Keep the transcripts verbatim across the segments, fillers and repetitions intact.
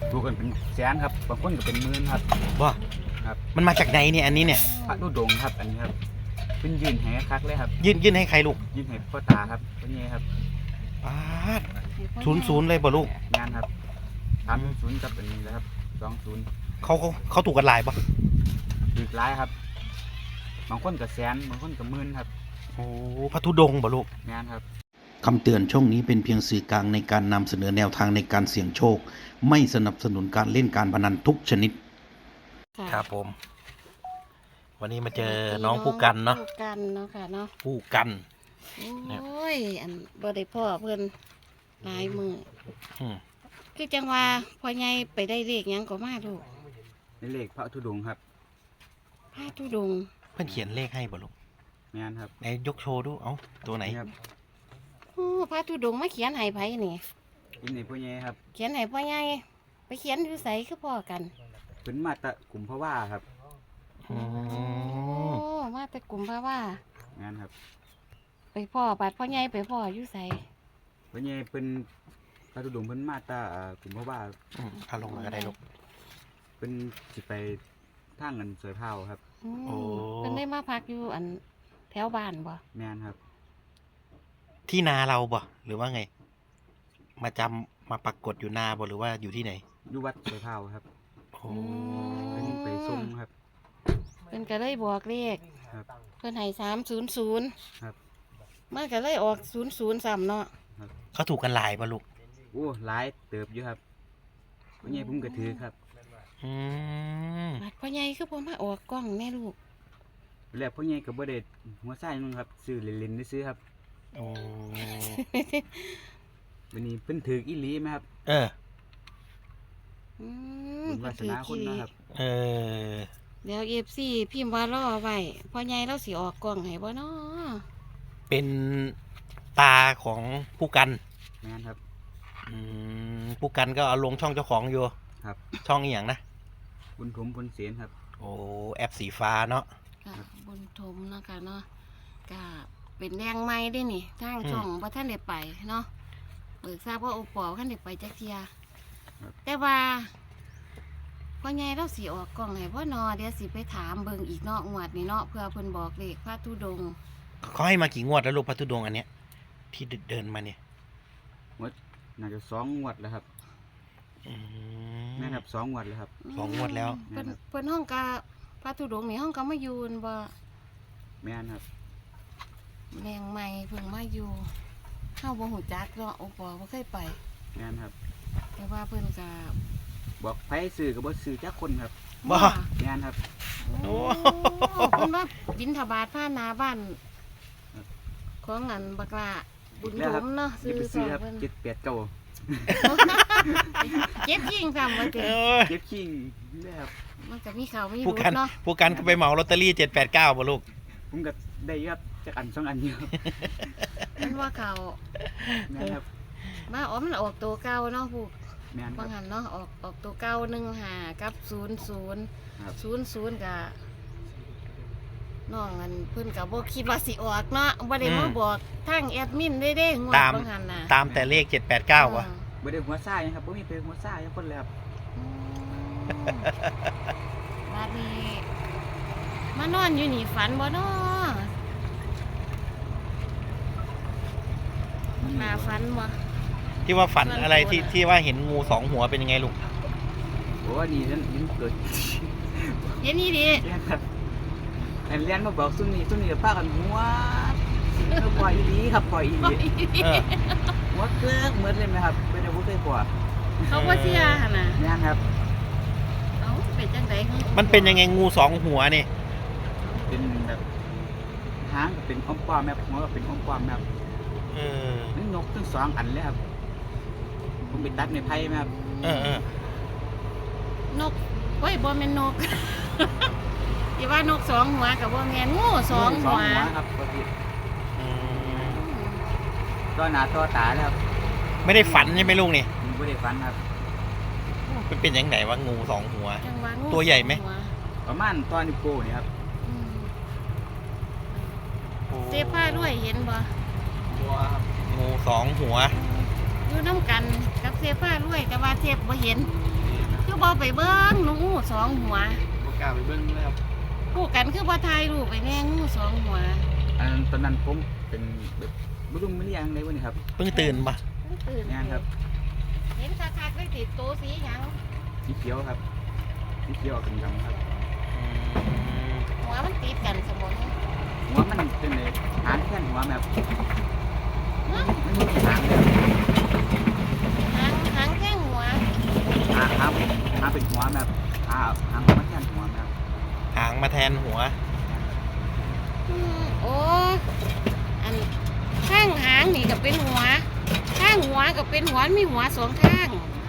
ดูกันเป็นแสนครับบางคนก็เป็นหมื่นครับว่าครับมันมาจากไหนเนี่ยอันนี้เนี่ยพระธุดงค์ครับอันนี้ครับเป็นยืนแหคักเลยครับยื่นยื่นให้ใครลูกยืนแหพ่อตาครับเป็นไงครับป้าดศูนย์ศูนย์เลยป่ะลูกงานครับสามศูนย์กับอันนี้เลยครับสองศูนย์เขาเขาเขาถูกกันหลายป่ะอีกหลายครับบางคนก็แสนบางคนก็หมื่นครับโอ้พระธุดงค์ป่ะลูกงานครับคำเตือนช่องนี้เป็นเพียงสื่อกลางในการนำเสนอแนวทางในการเสี่ยงโชค ไม่สนับสนุนการเล่นการพนันทุกชนิด ครับผม วันนี้มาเจอน้องผู้กันเนาะผู้กันเนาะค่ะเนาะผู้กันโอ้ยอันบ่ได้พ่อเพิ่นหลายมืออืมคือจังว่าพ่อใหญ่ไปได้เลขหยังก็มาลูกในเลขพระธุดงค์ครับพระธุดงค์เพื่อนเขียนเลขให้ป่ะลูกงานครับไหนยกโชว์ดูเอ้าตัวไหนนี่ครับโอ้พระธุดงค์มาเขียนให้ไผนี่อินในพ่อใหญ่ครับเขียนให้พ่อใหญ่ไปเขียนอยู่ไสคือพ่อกันเป็นมาตะกลุ่มพระว่าครับอืโอ้มมาแต่กลุ่มพระว่างานครับไปพ่อบาดพ่อใหญ่ไปพ่ออยู่ไสพ่อใหญ่เป็นพระธุดงค์เพิ่นมาตะอ่ากลุ่มพระว่าอืมเอาลงมาก็ได้ลูกเป็นสิไปทางเงินสวยเผาครับอืมโอ้เพิ่นได้มาพักอยู่อันแถวบ้านบ่แมนครับที่นาเราบ่หรือว่าไง มาจำมาปรากฏอยู่นาบ่หรือว่าอยู่ที่ไหนอยู่วัดสวยเผาครับโอ้เพิ่นไปส่งครับเพิ่นก็เลยบอกเลขครับเพิ่นให้สามศูนย์ศูนย์ครับมันก็เลยออกศูนย์ศูนย์ซ้ำเนาะเขาถูกกันหลายป่ะลูกโอ้หลายเติบอยู่ครับพ่อใหญ่ผมก็ถือครับอืมบาดพ่อใหญ่คือผมมาออกกล้องแม่ลูกแล้วพ่อใหญ่ก็บ่ได้หัวไส้นึงครับซื้อเล่นๆซื้อครับโอ้วันนี้เพิ่นถืออีหลีไหมครับเอออืมบุญวาสนาคนนะครับเออเดี๋ยวเอฟซีพิมพ์ว่ารอไว้พ่อใหญ่เราสิออกกล้องให้บ่เนาะเป็นตาของผู้กันแมนครับอืมผู้กันก็เอาลงช่องเจ้าของอยู่ครับช่องอหย่างนะบุญถมบุญเสียนครับโอ้แอปสีฟ้าเนาะค่ะบุญทมเนาะค่ะเนาะก็เป็นแรงไม้ได้นี่ทางช่องบ่ท่านได้ไปเนาะเบิกทราบว่าโอปอท่านได้ไปจักเทียแต่ว่าพ่อใหญ่เราสิออกกล้องให้บ่เนาะเดี๋ยวสิไปถามเบิ่งอีกเนาะงวดนี้เนาะเพื่อเพิ่นบอกเลขพระธุดงค์เขาให้มากี่งวดแล้วลูกพระธุดงค์อันเนี้ยที่เดินมาเนี่ยงวดน่าจะสองงวดแล้วครับอืมแม่นครับสองงวดแล้วครับสองงวดแล้วเพิ่นเพิ่นห้องกะพระธุดงค์นี่ห้องก็มาอยู่นั่นบ่แม่นครับแรงใหม่เพิ่งมาอยู่เฮาบ่ฮู้จักเนาะโอปอบ่เคยไปแม่นครับแต่ว่าเพิ่นก็บอกไผซื้อก็บ่ซื้อจักคนครับบ้าแม่นครับโอ้เพิ่นว่าบิณฑบาตผ่านหน้าบ้านของอันบักละบุญแล้วถครับมเนาะอย่าซื้อไปสซื้ออง ครับเพิ่นเจ็ดแปดเก้าเจ็บยิ่งซ้ำว่าเอเด้อเจ็บขิงนี่ครับมันก็มีข่าวมีผู้รูกันเนาะผู้กันก็ไปเหมาลอตเตอรี่เจ็ดแปดเก้าป่ะลูกผมก็ได้ครับจักอันสองอันเดียวมันว่าข่าวแม่นครับมาอ๋อมันออกตัวเก่าเนาะผู้แม่นครับ่บหันเนาะออกออกตัวเก่าหนึ่งห้ากับศูนย์ศูนย์ครับศูนย์ศูนย์กะน้องอันเพิ่นกับบ่คิดว่าสิออกเนาะบ่ได้มาบอกทางแอดมินได้เด้งวดตามบางหันน่ะตามแต่เลขเจ็ดแปดเก้าว่ะบ่ได้หัวซ่ายังครับบ่มีเป็นหัวซ่ายังคนเลยครับอืมบัดนี้มานอนอยู่นี่ฝันบ่เนาะมาฝันบ่ที่ว่าฝันอะไรที่ที่ว่าเห็นงูสองหัวเป็นยังไงลูกโอ้นี่นั่นยิ่งเกิดเห็นนี่ดิแม่นครับอันเรียนมาบอกซุ่มนี้ซุ่มนี้ก็พากันหัวเออปล่อยอีหลีครับปล่อยอีหลีเออหัวเกลือกเหมือนเลยไหมครับไม่ได้บ่เคยปล่อยเขาบ่เชื่อหั่นน่ะแม่นครับเอ้าเป็นจังได๋มันเป็นยังไงงูสองหัวนี่เป็นแบบหางก็เป็นอ้อมป้อมแบบหัวก็เป็นอ้อมป้อมแบบเออมันนกทั้งสองอันเลยครับผมไปตัดในไผ่ไหมครับเออเออนกเฮ้ยบ่แม่นนก อย่าว่านกสองหัวกับบ่แม่นงูสองหัวครับปกติอืมตัวหนาตัวตาแล้วครับไม่ได้ฝันใช่ไหมลูกนี่มันไม่ได้ฟันครับมันเป็นยังไงวะงูสองหัวจังว่างูตัวใหญ่ไหมสองวประมาณตัวนิ้วโป้นี่ครับอืมเสื้อผ้าด้วยเห็นบ่ตัวครับงูสองหัวอยู่น้ำกันกับเสื้อผ้าด้วยแต่ว่าเทปบ่เห็นบ่ไปเบิ่งงูสองหัวบ่กล้าไปเบิ่งเลยครับคู่กันคือบ่ถ่ายรูปไปแน่งูสองหัวอันนั้นตอนนั้นผมเป็นแบบบ่รู้มันเรียกจังได๋วะนี่ครับเพิ่งตื่นปะตื่นงานครับเห็นคักๆเลยติดโตสีหยังสีเขียวครับสีเขียวกับดำครับอืมหัวมันติดกันสมองหัวมันเป็นเลยหางแค่นหัวแบบเนาะมันมีหางเลยหางหางแข้งหัวหางหางหางเป็นหัวแบบหางหางมันแค่นหัวแบบหางมาแทนหัวอืมโอ้อันข้างหางนี่ก็เป็นหัว ข้างหัวก็เป็นหัวมีหัวสองข้าง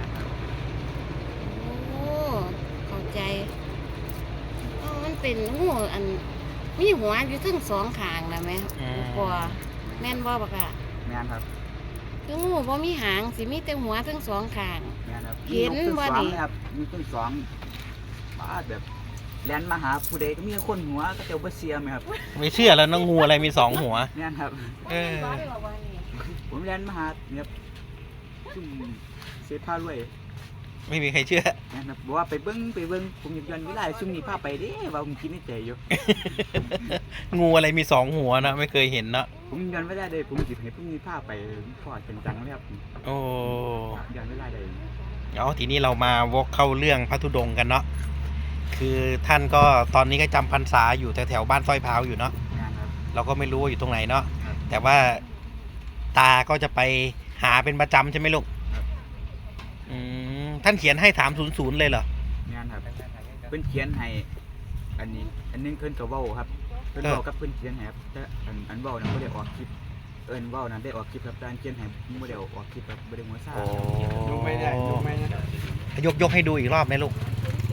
โอ้เข้าใจอ๋อมันเป็นงูอันมีหัวอยู่ทั้งสองข้างนะแม่อืมกว่าแม่นบ่บักอะแม่นครับคืองูบ่มีหางสิมีแต่หัวทั้งสองข้างแม่นครับเห็นมีบ่ต้นสองนี่เลยครับมีต้นสองบ้าแบบแลนมาหาผู้ใดก็มีคนหัวก็เจ้าบ่เสียไหมครับไม่เชื่อแล้วน้องงูอะไรมีสองหัวแม่นครับเออบ่ได้บอกว่านี่ผมแลนมาหาเนี่ยซุ่มเสียผ้ารวยไม่มีใครเชื่อแม่นครับบอกว่าไปเบิ้งไปเบิ้งผมอยากย้อนเวลาซุ่มนี้พาไปเด้ว่าผมคิดในใจอยู่งูอะไรมีสองหัวนะไม่เคยเห็นเนาะผมย้อนเวลาได้ผมจิบให้พรุ่งนี้พาไปพ่อเป็นจังเลยครับโอ้ย้อนเวลาได้เอาทีนี้เรามาวกเข้าเรื่องพระธุดงค์กันเนาะคือท่านก็ตอนนี้ก็จำพรรษาอยู่แถวๆบ้านสร้อยพร้าวอยู่เนาะงานครับเราก็ไม่รู้ว่าอยู่ตรงไหนเนาะครับแต่ว่าตาก็จะไปหาเป็นประจำใช่ไหมลูกครับอืมท่านเขียนให้สามศูนย์ศูนย์เลยเหรองานครับเพิ่นเขียนให้อันนี้อันนึงเพิ่นก็เว้าครับเพิ่นเว้ากับเพิ่นเขียนให้ครับแต่อันอันเว้านั้นบ่ได้ออกคลิปเอิ้นเว้านั้นได้ออกคลิปครับแต่อันเขียนให้บ่ได้ออกคลิปครับบ่ได้หัวซ่าโอ้ดูไม่ได้ดูไม่ได้ยกยกให้ดูอีกรอบไหมลูก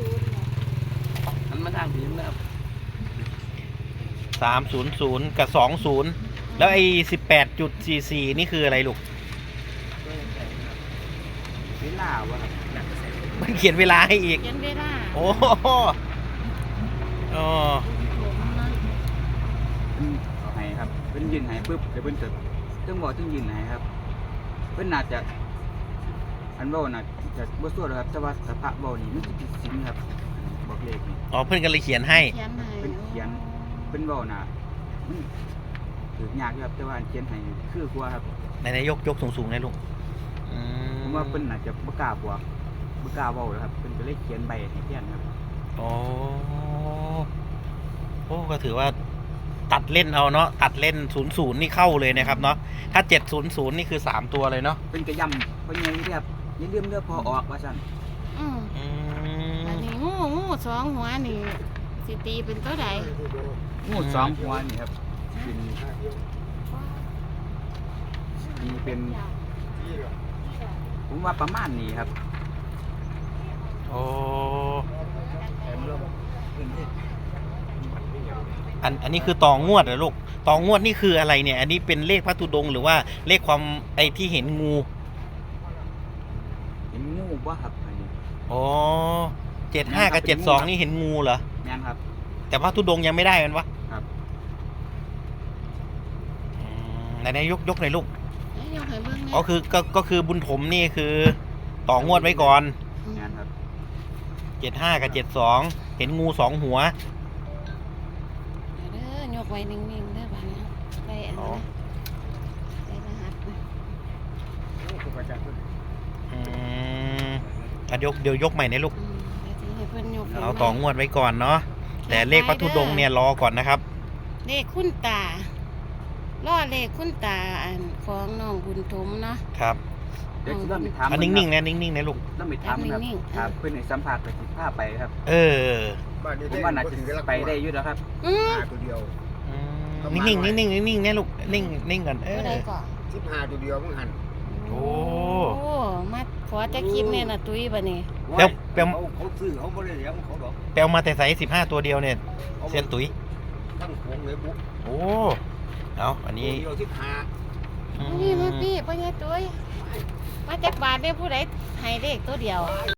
มันมาทางผีแล้วสามศูนย์ศูนย์กับสองศูนย์แล้วไอ้สิบแปดจุดสี่สี่นี่คืออะไรลูกเวลาวะครับมันเขียนเวลาให้อีกเขียนเวลาโอ้โหอ๋อผมนะเพิ่นเอาให้ครับเพิ่นยืนให้ปุ๊บเดี๋ยวเพิ่นจะต้องบอกต้องยืนให้ครับเพิ่นน่าจะอันเว้าน่ะจะบ่ซั่วหรอกครับแต่ว่าสภาพเว้านี่มันสิผิดศีลครับบอกเลขนี่อ๋อเพื่อนก็เลยเขียนให้เขียนให้เพิ่นเขียนเพิ่นเว้าน่ะมันถือยากอยู่ครับแต่ว่าอันเขียนให้คือกว่าครับไหนๆยกยกสูงๆเลยลูกอืผมว่าเพิ่นน่าจะบ่กล้าบอกบ่กล้าเว้าแล้วครับเพิ่นก็เลยเขียนใบให้เขียนครับโอ้โอ้ก็ถือว่าตัดเล่นเอาเนาะตัดเล่นศูนย์ศูนย์นี่เข้าเลยนะครับเนาะถ้าเจ็ดศูนย์ศูนย์นี่คือสามตัวเลยเนาะเพิ่นก็ย้ำเพิ่นยังเรียบอย่าลืมเด้อพอออกว่าซั่นอืมอือันมนี้งูงูสองหัวนี่สิตีเป็นตัวใดงูสองหัวนี่ครับเป็นนี่เป็นผมว่าประมาณนี้ครับโอ้อันอันนี้คือตองงวดเหรอลูกตองงวดนี่คืออะไรเนี่ย อันนี้เป็นเลขพระธุดงค์หรือว่าเลขความไอที่เห็นงูเห็นงูบ่ครับอันนี้อ๋อเจ็ดห้ากับเจ็ดสองนี่เห็นงูเหรอแม่นครับแต่พระธุดงค์ยังไม่ได้มันวะครับอืมไหนๆยกยกหน่อยลูกให้ยกให้เบิ่งแหน่ก็คือก็ก็คือบุญถมนี่คือต่องวดไว้ก่อนแม่นครับเจ็ดห้ากับเจ็ดสองเห็นงูสองหัวเด้อยกไว้นิ่งๆเด้อบัดนี้ไปอันอ๋อนี้ไปรหัสนะอืมอ่ะยกเดี๋ยวยกใหม่นะลูกอืมเดี๋ยวสิให้เพิ่นยกให้เอาต่องวดไว้ก่อนเนาะแต่เลขพระธุดงค์เนี่ยรอก่อนนะครับเลขคุณตาล่อเลขคุณตาอันของน้องบุญถมเนาะครับเดี๋ยวสิต้องไปถามอันนิ่งๆนะนิ่งๆนะลูกต้องไปถามครับนิ่งๆครับเพิ่นให้สัมภาษณ์ไปสิพาไปครับเออผมว่าน่าจะไปได้อยู่แล้วครับอืมห้าตัวเดียวอืมนิ่งๆนิ่งๆนิ่งๆนะลูกนิ่งนิ่งก่อนเอตัวอใดก่อนสิบห้าตัวเดียวมึงหันโอ้โอ้มาขอจะคลิปเนี่ยนะตุ้ยบัดนี้แปลวแปลวเขาเขาซื้อเขาไม่ได้เลี้ยงเขาดอกแปลวมาแต่ใส่สิบห้าตัวเดียวเนี่ยเซียนตุ๋ยตั้งโค้งเลยบุ๊กโอ้เอาอันตัวนี้เดียวสิบห้าอืนี่มมาพี่พ่อใหญ่ตุ้ยมาจากบาทได้ผู้ใดให้เลขตัวเดียว